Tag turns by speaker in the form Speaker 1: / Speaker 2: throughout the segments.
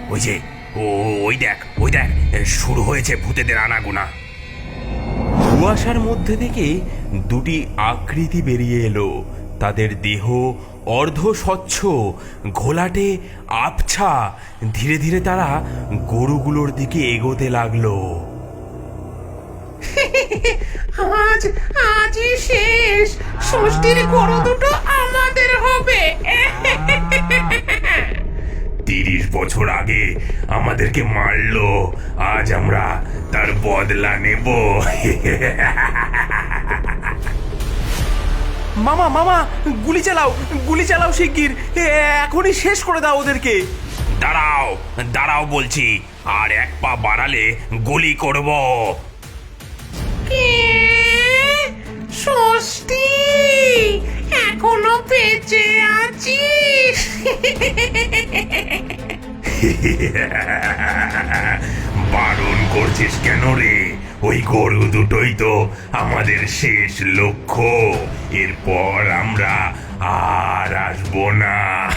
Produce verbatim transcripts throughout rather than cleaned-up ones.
Speaker 1: ওই যে ও ওই দেখ ওই দেখ শুরু হয়েছে ভূতেদের আনাগোনা। কুয়াশার মধ্যে থেকে দুটি আকৃতি বেরিয়ে এলো। তাদের দেহ অর্ধ স্বচ্ছ, ঘোলাটে, আবছা। ধীরে ধীরে তারা গরুগুলোর দিকে এগোতে লাগলো।
Speaker 2: আজ আজই শেষ, ষষ্ঠীর গরু দুটো আমাদের হবে।
Speaker 1: তিরিশ বছর আগে আমাদেরকে মারলো, আজ আমরা তার বদলা নেব। মামা মামা গুলি চালাও, গুলি চালাও শিগগির, এখনই শেষ করে দাও ওদেরকে। দাঁড়াও দাঁড়াও বলছি, আর এক পা বাড়ালে গুলি করব।
Speaker 2: কে? ষষ্ঠী, এখনো বেঁচে আছিস?
Speaker 1: বারণ করছিস কেন রে? ওই গরু দুটোই তো আমাদের শেষ লক্ষ্য। এরপর আমরা আর আসবো না।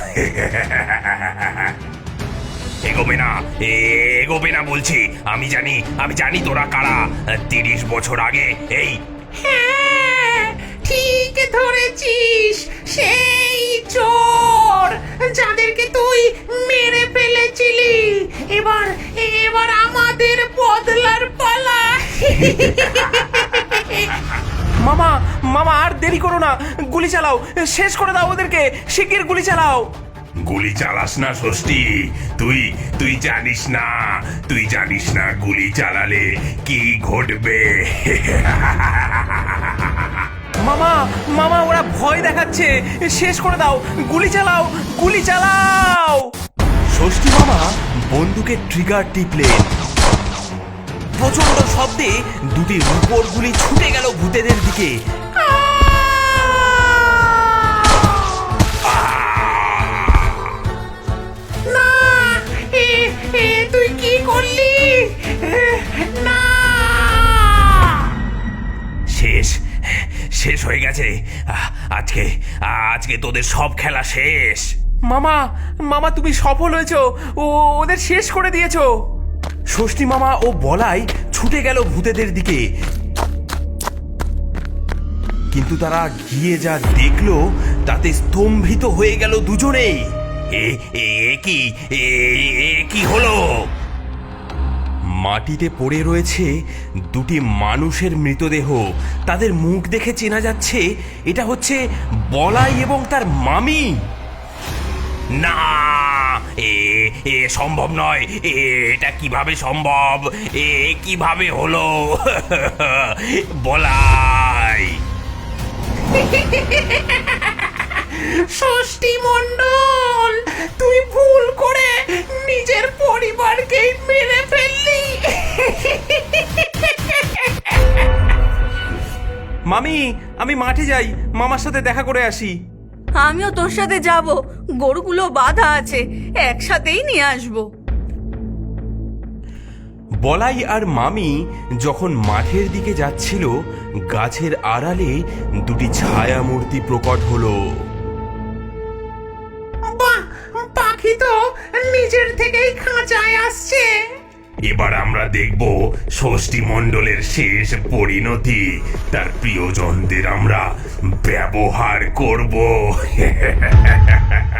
Speaker 1: এগোবে না, এগোবে না বলছি। আমি জানি আমি জানি তোরা কারা। তিরিশ বছর আগে এই
Speaker 2: হ্যাঁ, ঠিক ধরেছিস, সেই চোর যাদেরকে তুই মেরে ফেলেছিলি। এবার এবার আমাদের বদলার পালা।
Speaker 3: মামা মামা আর দেরি করো না, গুলি চালাও, শেষ করে দাও ওদেরকে, শিগগির গুলি চালাও।
Speaker 1: গুলি চালাস না ষষ্ঠী, তুই তুই জানিস না, তুই জানিস না গুলি চালালে কি ঘটবে।
Speaker 3: মামা মামা ওরা ভয় দেখাচ্ছে, শেষ করে দাও, গুলি চালাও, গুলি চালাও। ষষ্ঠী মামা বন্দুকের ট্রিগার টিপলেন। প্রচন্ড শব্দে দুটি রূপোর গুলি ছুটে গেল ভূতেদের দিকে।
Speaker 2: না, এ এ তুই কি করলি? না,
Speaker 1: শেষ শেষ হয়ে গেছে। আজকে আজকে তোদের সব খেলা শেষ।
Speaker 3: মামা মামা তুমি সফল হয়েছো, ও ওদের শেষ করে দিয়েছো। ষষ্ঠী মামা ও বলাই ছুটে গেল ভূতেদের দিকে, কিন্তু তারা গিয়ে যা দেখলো তাতে স্তম্ভিত হয়ে গেল দুজনেই।
Speaker 1: এ এ কি এ এ কি হলো?
Speaker 3: মাটিতে পড়ে রয়েছে দুটি মানুষের মৃতদেহ। তাদের মুখ দেখে চেনা যাচ্ছে এটা হচ্ছে বলাই এবং তার মামি।
Speaker 1: না, এ এ সম্ভব নয়। এ এটা কিভাবে সম্ভব? এ কিভাবে হলো? বলাই,
Speaker 2: ষষ্ঠী মণ্ডল, তুই ভুল করে নিজের পরিবারকেই মেরে ফেললি।
Speaker 3: মামি আমি মাঠে যাই, মামার সাথে দেখা করে আসি।
Speaker 4: আমিও তোর সাথে যাব, গরুগুলো বাঁধা আছে, একসাথেই নিয়ে আসবো।
Speaker 3: বলাই আর মামি যখন মাঠের দিকে যাচ্ছিল, গাছের আড়ালে দুটি ছায়া মূর্তি প্রকট হলো।
Speaker 2: বাহ, পাখি তো নিজের থেকেই খাঁচায় আসছে।
Speaker 1: এবার আমরা দেখব ষষ্ঠী মণ্ডলের শেষ পরিণতি। তার প্রিয়জনদের আমরা ব্যবহার করব।